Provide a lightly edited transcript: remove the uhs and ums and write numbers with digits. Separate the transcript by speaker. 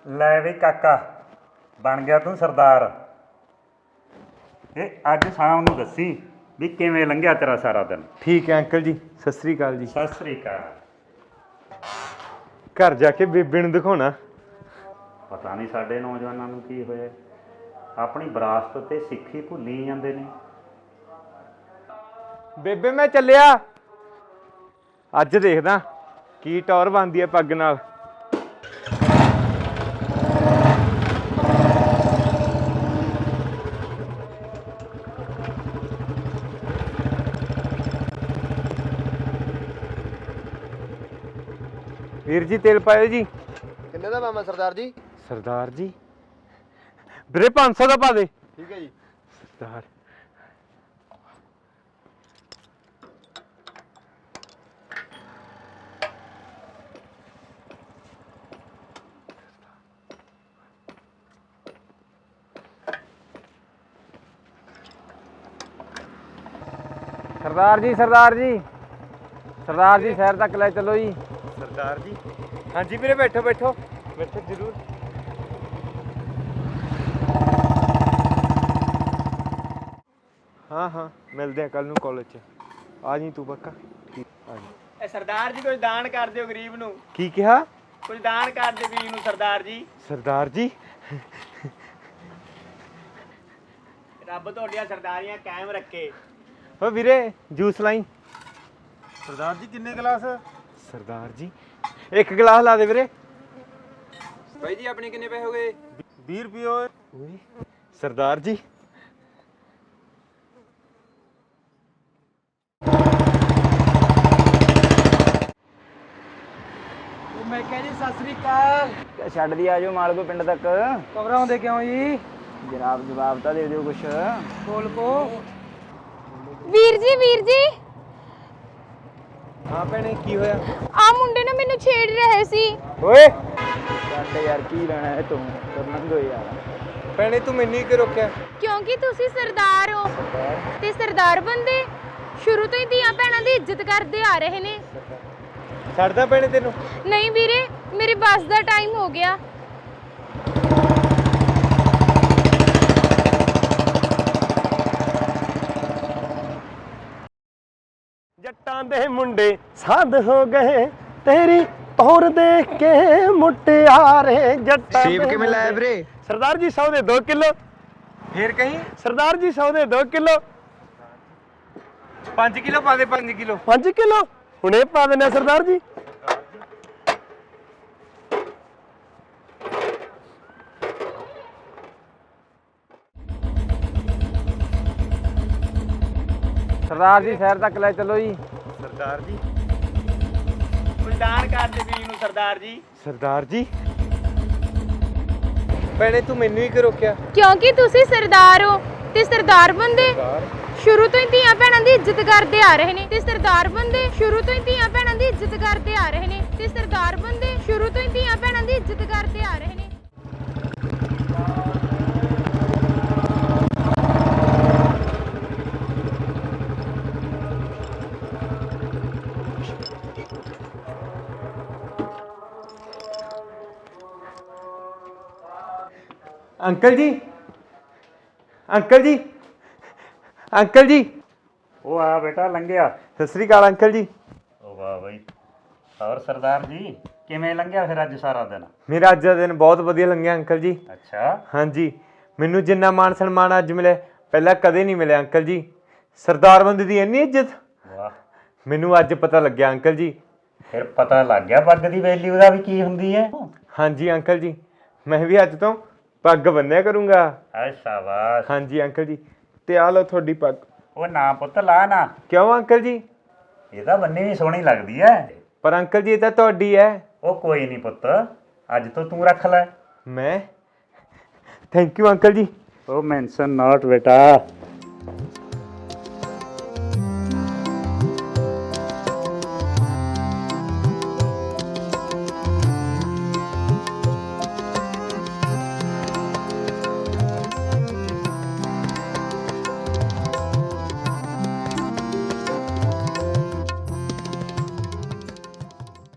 Speaker 1: ਲੈ ਵੀ ਕਾਕਾ ਬਣ ਗਿਆ ਤੂੰ ਸਰਦਾਰ। ਇਹ ਅੱਜ ਸ਼ਾਮ ਨੂੰ ਦੱਸੀ ਵੀ ਕਿਵੇਂ ਲੰਘਿਆ ਤੇਰਾ ਸਾਰਾ ਦਿਨ।
Speaker 2: ਠੀਕ ਹੈ ਅੰਕਲ ਜੀ, ਸਤਿ ਸ੍ਰੀ ਅਕਾਲ ਜੀ।
Speaker 1: ਸਤਿ ਸ੍ਰੀ ਅਕਾਲ।
Speaker 2: ਘਰ ਜਾ ਕੇ ਬੇਬੇ ਨੂੰ ਦਿਖਾਉਣਾ।
Speaker 1: ਪਤਾ ਨਹੀਂ ਸਾਡੇ ਨੌਜਵਾਨਾਂ ਨੂੰ ਕੀ ਹੋਇਆ, ਆਪਣੀ ਵਿਰਾਸਤ ਤੇ ਸਿੱਖੀ ਭੁੱਲੀ ਜਾਂਦੇ ਨੇ।
Speaker 2: ਬੇਬੇ ਮੈਂ ਚੱਲਿਆ, ਅੱਜ ਦੇਖਦਾ ਕੀ ਟੌਰ ਬਣਦੀ ਹੈ ਪੱਗ ਨਾਲ। ਵੀਰ ਜੀ ਤੇਲ ਪਾਇਓ ਜੀ।
Speaker 3: ਕਿੰਨੇ ਦਾ ਮਾਮਾ ਸਰਦਾਰ ਜੀ?
Speaker 2: ਸਰਦਾਰ ਜੀ ਵੀਰੇ 500 ਦਾ ਪਾ ਦੇ।
Speaker 3: ਠੀਕ ਹੈ ਜੀ।
Speaker 2: ਸਰਦਾਰ
Speaker 4: ਸਰਦਾਰ ਜੀ ਸਰਦਾਰ ਜੀ ਸਰਦਾਰ ਜੀ ਸ਼ਹਿਰ ਤੱਕ ਲੈ ਚੱਲੋ ਜੀ।
Speaker 2: ਸਰਦਾਰ ਜੀ ਹਾਂਜੀ ਵੀਰੇ, ਬੈਠੋ ਬੈਠੋ ਬੈਠੋ ਜ਼ਰੂਰ। ਹਾਂ ਹਾਂ ਮਿਲਦੇ ਆ ਕੱਲ ਨੂੰ ਕਾਲਜ 'ਚ। ਆ ਜੀ ਤੂੰ ਪੱਕਾ? ਠੀਕ ਆ ਜੀ।
Speaker 5: ਇਹ ਸਰਦਾਰ ਜੀ ਕੁਝ ਦਾਨ ਕਰ ਦਿਓ ਗਰੀਬ ਨੂੰ।
Speaker 2: ਕੀ ਕਿਹਾ?
Speaker 5: ਕੁਝ ਦਾਨ ਕਰ ਦਿਓ ਗਰੀਬ ਨੂੰ ਸਰਦਾਰ ਜੀ।
Speaker 2: ਸਰਦਾਰ ਜੀ
Speaker 5: ਰੱਬ ਤੁਹਾਡੀਆਂ ਸਰਦਾਰੀਆਂ ਕਾਇਮ ਰੱਖੇ।
Speaker 2: ਓ ਵੀਰੇ ਜੂਸ ਲਾਈ।
Speaker 3: ਸਰਦਾਰ ਜੀ ਕਿੰਨੇ ਗਲਾਸ?
Speaker 2: ਸਰਦਾਰ ਜੀ ਇੱਕ ਗਲਾਸ ਲਾ ਦੇ ਵੀਰੇ।
Speaker 4: ਭਾਈ ਜੀ ਆਪਣੇ ਕਿੰਨੇ ਪੈਸੇ ਹੋ ਗਏ?
Speaker 3: 20 ਰੁਪਏ ਹੋਏ।
Speaker 2: ਓਏ ਸਰਦਾਰ ਜੀ
Speaker 5: ਮੈਂ ਕਿਹਾ ਜੀ ਸਤਿ ਸ੍ਰੀ ਅਕਾਲ।
Speaker 4: ਛੱਡ ਦੀ ਆਜੋ ਮਾਲਕੋ ਪਿੰਡ ਤੱਕ।
Speaker 5: ਘਬਰਾਉਂਦੇ ਕਿਉਂ ਜੀ?
Speaker 4: ਜਵਾਬ ਤਾਂ ਦੇ ਦਿਓ ਕੁਛ।
Speaker 5: ਬੋਲ ਕੋ।
Speaker 6: ਵੀਰ ਜੀ
Speaker 2: ਹਾਂ ਭੈਣੇ ਕੀ ਹੋਇਆ?
Speaker 6: ਆ ਮੁੰਡੇ ਨਾ ਮੈਨੂੰ ਛੇੜ ਰਹੇ ਸੀ।
Speaker 2: ਓਏ
Speaker 4: ਛੱਡ ਯਾਰ, ਕੀ ਲੈਣਾ ਹੈ ਤੂੰ? ਕਰਨੰਗੋ ਯਾਰ।
Speaker 2: ਭੈਣੇ ਤੂੰ ਮੈਨੂੰ ਹੀ ਕਿ ਰੋਕਿਆ?
Speaker 6: ਕਿਉਂਕਿ ਤੁਸੀਂ ਸਰਦਾਰ ਹੋ ਤੇ ਸਰਦਾਰ ਬੰਦੇ ਸ਼ੁਰੂ ਤੋਂ ਹੀ ਧੀਆਂ ਭੈਣਾਂ ਦੀ ਇੱਜ਼ਤ ਕਰਦੇ ਆ ਰਹੇ ਨੇ।
Speaker 2: ਛੱਡਦਾ ਭੈਣੇ ਤੈਨੂੰ?
Speaker 6: ਨਹੀਂ ਵੀਰੇ, ਮੇਰੇ ਬੱਸ ਦਾ ਟਾਈਮ ਹੋ ਗਿਆ।
Speaker 2: ਜੱਟਾਂ ਦੇ ਮੁੰਡੇ ਸਾਧ ਹੋ ਗਏ, ਤੇਰੀ ਤੌਰ ਦੇਖ ਕੇ ਮੁਟਿਆਰੇ। ਜੱਟਾਂ
Speaker 3: ਸੇਬ ਕਿਵੇਂ ਲਾਇਆ ਵੀਰੇ?
Speaker 2: ਸਰਦਾਰ ਜੀ 100 ਦੇ 2 ਕਿਲੋ। ਫੇਰ ਕਹੀਂ ਸਰਦਾਰ ਜੀ 100 ਦੇ 2 ਕਿਲੋ। 5 ਕਿਲੋ ਪਾ ਦੇ। 5 ਕਿਲੋ 5 ਕਿਲੋ ਹੁਣੇ ਪਾ ਦਿੰਦੇ ਸਰਦਾਰ ਜੀ।
Speaker 4: ਸਰਦਾਰ ਜੀ ਸ਼ਹਿਰ ਤੱਕ ਲੈ ਚੱਲੋ ਜੀ।
Speaker 2: ਸਰਦਾਰ ਜੀ
Speaker 5: ਕੁਝ ਦਾਨ ਕਰ ਦਿਓ ਗਰੀਬ ਨੂੰ ਸਰਦਾਰ ਜੀ।
Speaker 2: ਸਰਦਾਰ ਜੀ ਭੈਣੇ ਤੂੰ ਮੈਨੂੰ ਹੀ ਕਿ ਰੋਕਿਆ?
Speaker 6: ਕਿਉਂਕਿ ਤੁਸੀਂ ਸਰਦਾਰ ਹੋ ਤੇ ਸਰਦਾਰ ਬੰਦੇ ਸ਼ੁਰੂ ਤੋਂ ਹੀ ਧੀਆਂ ਭੈਣਾਂ ਦੀ ਇੱਜ਼ਤ ਕਰਦੇ ਆ ਰਹੇ ਨੇ। ਤੇ ਸਰਦਾਰ ਬੰਦੇ ਸ਼ੁਰੂ ਤੋਂ ਹੀ ਧੀਆਂ ਭੈਣਾਂ ਦੀ ਇੱਜ਼ਤ ਕਰਦੇ ਆ ਰਹੇ ਨੇ। ਤੇ ਸਰਦਾਰ ਬੰਦੇ ਸ਼ੁਰੂ ਤੋਂ ਹੀ ਧੀਆਂ ਭੈਣਾਂ ਦੀ ਇੱਜ਼ਤ ਕਰਦੇ ਆ ਰਹੇ ਨੇ।
Speaker 2: ਅੰਕਲ ਜੀ ਅੰਕਲ ਜੀ ਅੰਕਲ ਜੀ।
Speaker 1: ਉਹ ਆ ਬੇਟਾ ਲੰਘਿਆ।
Speaker 2: ਸਤਿ ਸ੍ਰੀ ਅਕਾਲ ਅੰਕਲ ਜੀ।
Speaker 1: ਉਹ ਵਾਹ ਬਈ। ਹੋਰ ਸਰਦਾਰ ਜੀ ਕਿਵੇਂ ਲੰਘਿਆ ਫਿਰ ਅੱਜ ਸਾਰਾ ਦਿਨ?
Speaker 2: ਮੇਰਾ ਅੱਜ ਦਾ ਦਿਨ ਬਹੁਤ ਵਧੀਆ ਲੰਘਿਆ ਅੰਕਲ ਜੀ।
Speaker 1: ਅੱਛਾ।
Speaker 2: ਹਾਂਜੀ ਮੈਨੂੰ ਜਿੰਨਾ ਮਾਣ ਸਨਮਾਨ ਅੱਜ ਮਿਲਿਆ ਪਹਿਲਾਂ ਕਦੇ ਨਹੀਂ ਮਿਲਿਆ ਅੰਕਲ ਜੀ। ਸਰਦਾਰ ਬੰਦੇ ਦੀ ਇੰਨੀ ਇੱਜ਼ਤ
Speaker 1: ਵਾਹ,
Speaker 2: ਮੈਨੂੰ ਅੱਜ ਪਤਾ ਲੱਗਿਆ ਅੰਕਲ ਜੀ।
Speaker 1: ਫਿਰ ਪਤਾ ਲੱਗ ਗਿਆ ਪੱਗ ਦੀ ਵੈਲਿਊ ਦਾ ਵੀ ਕੀ ਹੁੰਦੀ ਹੈ।
Speaker 2: ਹਾਂਜੀ ਅੰਕਲ ਜੀ, ਮੈਂ ਵੀ ਅੱਜ ਤੋਂ ਪੱਗ ਬੰਨਿਆ ਕਰੂੰਗਾ।
Speaker 1: ਐ ਸ਼ਾਬਾਸ਼।
Speaker 2: ਹਾਂਜੀ ਅੰਕਲ ਜੀ, ਤੇ ਆ ਲਓ ਤੁਹਾਡੀ ਪੱਗ।
Speaker 1: ਉਹ ਨਾ ਪੁੱਤ ਲਾ ਨਾ,
Speaker 2: ਕਿਉਂ ਅੰਕਲ ਜੀ?
Speaker 1: ਇਹ ਤਾਂ ਬੰਨੀ ਵੀ ਸੋਹਣੀ ਲੱਗਦੀ ਹੈ।
Speaker 2: ਪਰ ਅੰਕਲ ਜੀ ਇਹ ਤਾਂ ਤੁਹਾਡੀ ਹੈ।
Speaker 1: ਉਹ ਕੋਈ ਨਹੀਂ ਪੁੱਤ, ਅੱਜ ਤੋਂ ਤੂੰ ਰੱਖ ਲੈ।
Speaker 2: ਮੈਂ? ਥੈਂਕ ਯੂ ਅੰਕਲ ਜੀ।
Speaker 1: ਉਹ ਮੈਂਸ਼ਨ ਨਾਟ ਬੇਟਾ।